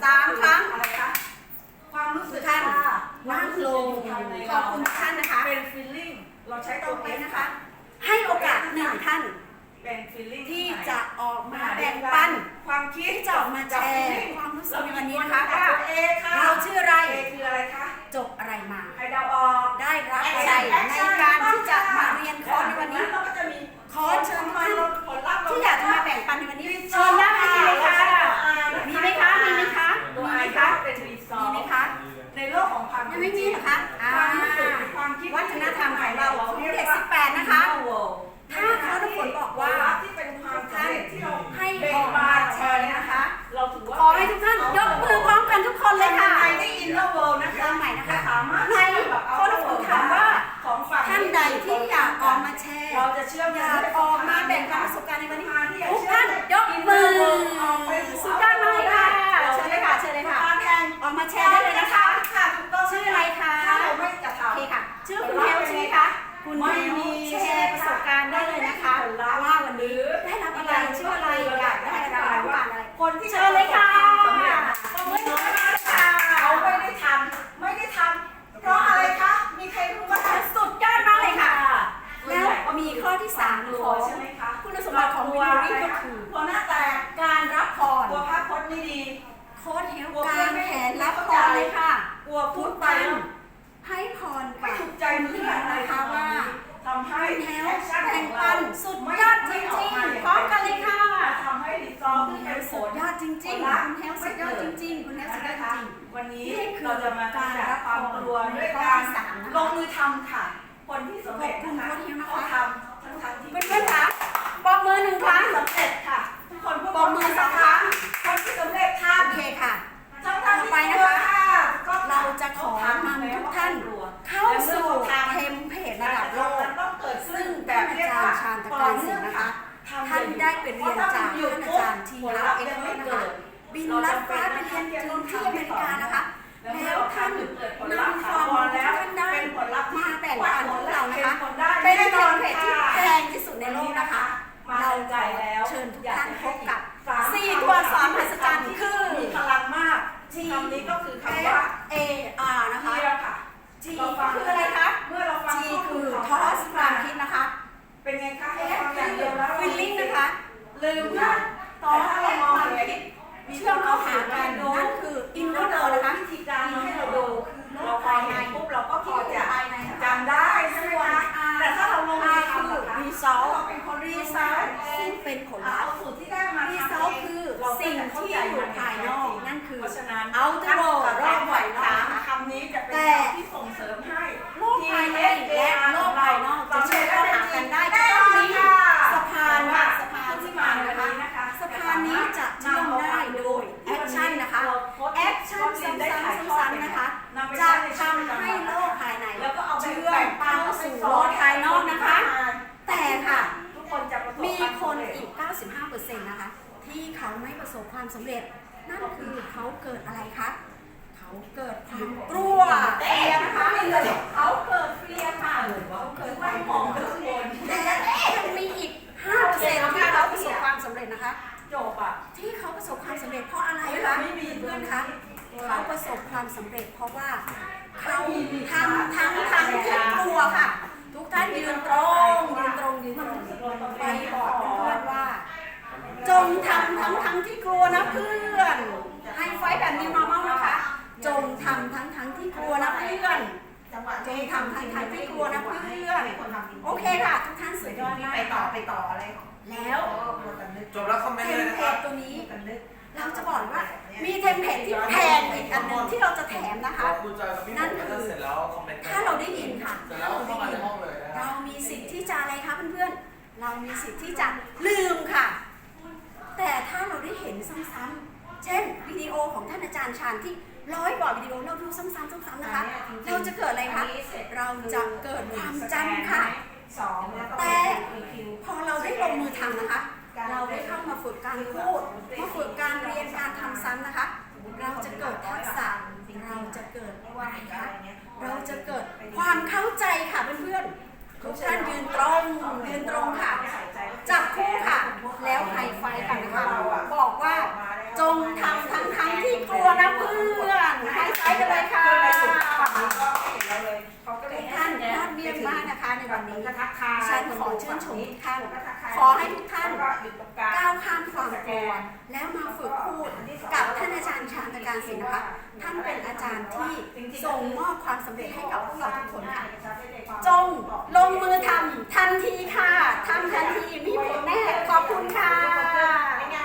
3 ครั้งอะไรคะความรู้สึกท่านค่ะนั่งลงขอบคุณท่านนะคะเป็น feeling เราใช้ต่ตัอวไปเองนะนะคะ คะให้โอกาส1 ท่านเป็น feeling ที่จะออกมาแบ่งปันความคิดที่จะออกมาแชร์ความรู้สึกในวันนี้นะคะว่าเอค่ะเราชื่ออะไรเอคืออะไรคะจบอะไรมาใครเดาออกได้รับอะไรในการที่จะมาเรียนคอร์สในวันนี้เราก็จะมีขอเชิญทุกท่านผลลัพธ์ที่อยากจะมาแบ่งปันในวันนี้เชิญได้เลยค่ะมีไหมคะมีไหมคะตัวมีไอไหมคะคะเป็นรีซอมีร์ไหมคะในโลกของความยังไม่มีเหรอคะความรู้สึกความคิดวัฒนธรรมของเราของเด็ก18นะคะ ถ้าเขาทุกคนบอกว่าที่เป็นความสำเร็จที่เราให้เบ่งออกบามานแชแชร์ร์เนี่ยนะนะคะ คะ เราถือว่าขอให้ทุกท่านยกมือพร้อมกันทุกคนเลยค่ะในได้อินเนอร์เวิลด์นะคะเริ่มใหม่นะคะสามารถในข้อทุกคนถามว่าของฝั่งท่านใดที่อยากออกมาแชร์เราจะเชื่อมอยากออกมาแบ่งปันประสบการณ์ในวันนี้ที่ทุกท่านยกมือสุดยอดมากเลยค่ะเชิญเลยค่ะเชิญเลยค่ะ ออกมาแชร์ได้เลยนะคะค่ะถูกต้องชื่ออะไรคะถ้าเราไม่จะโอทำเคค่ะ ชื่อคุณเฮลใช่ไหมคะคุณเฮลแชร์ประสบการณ์ได้เลยนะคะว่าวันนี้ได้รับอะไรชื่ออะไรอยากได้อะไรต้องการอะไรคนที่เชิญเลยค่ะสำเร็จขอบคุณค่ะเขาไม่ได้ทำเพราะอะไรคะ มีใครรู้บ้างสุดยอดมากเลยค่ะแล้แล้ววมีข้อที่3ของใช่ไหมคะคุณสมบัติของวิดีโอนี้ก็คือตัวหน้าแตกการรับพรกลัวภาพพจน์ไม่ดีโค้ดเฮลการแขนรับพรเลยค่ะกลัวพูดไปให้พรไม่กับถูกใจเพื่อนนะคะว่าทำให้คุณเฮลแอคชั่นแบ่ขงองปัเรานสุดยอดจริงๆพร้อมกันเลยค่ะทำให้รีซอร์คุที่ณเฮเป็ลนผสุดลยอดจริงๆคุณเฮลสุดยอดจริงๆคุณเฮลสุดยอดจริงวันนี้นี่คือเราจะมาการรับความกลัวด้วยข้อการที่สามนะคะลงมือทำค่ะ คนที่สำเร็จนะคะขอบคุณโค้ชเฮลนะคะเขาทำทั้งที่ๆเพื่อนๆคะปรบมือ1 ครั้งสำเร็จค่ะ ทุกคนพูดปรบมือ2 ครั้งคนที่สำเร็จทโอเคค่ะำทั้งที่ต่อไปนะคะก็เราจะขอนำทุกท่านเข้าสู่เทมเพลตระดับโลกต้องเกิดซึ่งท่านอาจารย์ชาญตะการศิลป์นะคะ ท่านได้ไปเรียนจากท่านอาจารย์ทีฮาร์เอ็กซ์นะคะบินลัดฟ้าไปเรียนถึงที่อเมริกานะคะ แล้วท่านนำความรู้ที่ท่านได้มาแบ่งปันพวกเรานะคะเป็นเทมเพลตที่แพงที่สุดในโลกนะคะ เราจะเชิญทุกท่านพบกับ4 ตัวอักษรมหัศจรรย์คือมีพลังมากคำนี้ก็คือคำว่า A R นะคะเดียวค่ะ G คืออะไรคะเมื่อเราฟัง G คือ toss ความคิดนะคะเป็นไงคะ F คือ feeling นะคะ ลืมค่ะค่ะต่อถ้าเรามองความเห็นคิดเชื่อมเข้าหากันนั่นคือ inner world นะคะวิธีการให้เราดูเราพอเห็นปุ๊บเราก็พอจะจำได้ใช่ไหมคะแต่ถ้าเราลงมือทำคือนะคะ result เราเป็นคน result ซึ่งเป็นผลลัเอาพธ์สูตรที่ได้มา result คือสิ่งที่อยู่ภายนอกนั่นคือเพราะฉะนั้น outer world รอบภายนอกนะคะคำนี้จะเป็นแต่คำที่ส่งเสริมให้โลกภายในและโลกภายนอกจะเชื่อมเข้าหากันได้จะต้องมีสะพานค่ะสะพานที่มานะคะสะพานนี้จะเชื่อมได้โดยแอคชั่นนะคะแอคชั่นซ้ำๆนะคะจะทำให้โลกภายในเชื่อมเข้าสู่โลกภายนอกนะคะ แต่ค่ะทุกคนจะประสบมีความคนสำเร็จอีก 95% นะคะ ที่เขาไม่ประสบความสำเร็จ นั่นคือเขาเกิดอะไรคะ เขาเกิดความกลัวเฟียนะคะเขาเกิดเฟียค่ะเขาเกิดความมองข้างบนแต่ยังมีอีก 5% ที่เขาประสบความสำเร็จนะคะจบอ่ะที่เขาประสบความสำเร็จเพราะอะไรคะไม่มีเพื่อนคะเขาประสบความสำเร็จเพราะว่าเขาทำที่กลัวค่ะ ทุกท่านยืนตรงไปบอกเพื่อนว่า จงทำทั้งที่กลัวนะเพื่อนให้ไฟแบบนี้มาเมานะคะ จงทำทั้งที่กลัวนะเพื่อนจงทำทั้งที่กลัวนะเพื่อนโอเคค่ะ ทุกท่านสุดยอดมากไปต่ออะไรแล้วจบแล้วคอมเมนเทต์เลยมนะเพคลรับตตัวนี้ เราจะบอกว่ามีเทมเพลตที่แพงอีกอันหนึ่งที่เราจะแถมนะคะคุณจอยกับพี่นั่นผมคือเสร็จแล้วคอมเมนต์ถ้าเราได้ยินค่ะเสร็จแล้วเข้ามาในห้องเลยนะคเรารับมีสิทธิ์ที่จะอะไรคะเพื่อนๆ เรามีสิทธิ์ที่จะลืมค่ะ แต่ถ้าเราได้เห็นซ้ำๆ เช่นวิดีโอของท่านอาจารย์ชาญที่100 กว่าวิดีโอเราดูซ้ำๆนะคะ เราจะเกิดอะไรคะ เราจะเกิดความจำค่ะ แต่พอเราได้ลงมือทำนะคะ เราได้เข้ามาฝึกการพูด มาฝึกการเรียนการทำซ้ำนะคะ เราจะเกิดทักษะ เราจะเกิดอะไรคะเราจะเกิดความเข้าใจค่ะเพื่อนๆ ทุกท่านยืนตรงค่ะ จับคู่ค่ะ แล้วไฮไฟกันนะคะบอกว่าจงทำทั้งที่กลัวนะเยี่ยมมากนะคะในวันนี้ก็ทักทายฉันขอชื่นชมทุกท่านก็ทักทายขอให้ทุกท่านแล้วก็อยู่ตรงกลางก้าวข้ามความกลัวแล้วมาฝึกพูดกับท่านอาจารย์ชาญตการศิลป์นะคะท่านเป็นอาจารย์ที่ส่งมอบความสำเร็จให้กับพวกเราทุกคนค่ะ จงลงมือทำทันทีค่ะทำทันที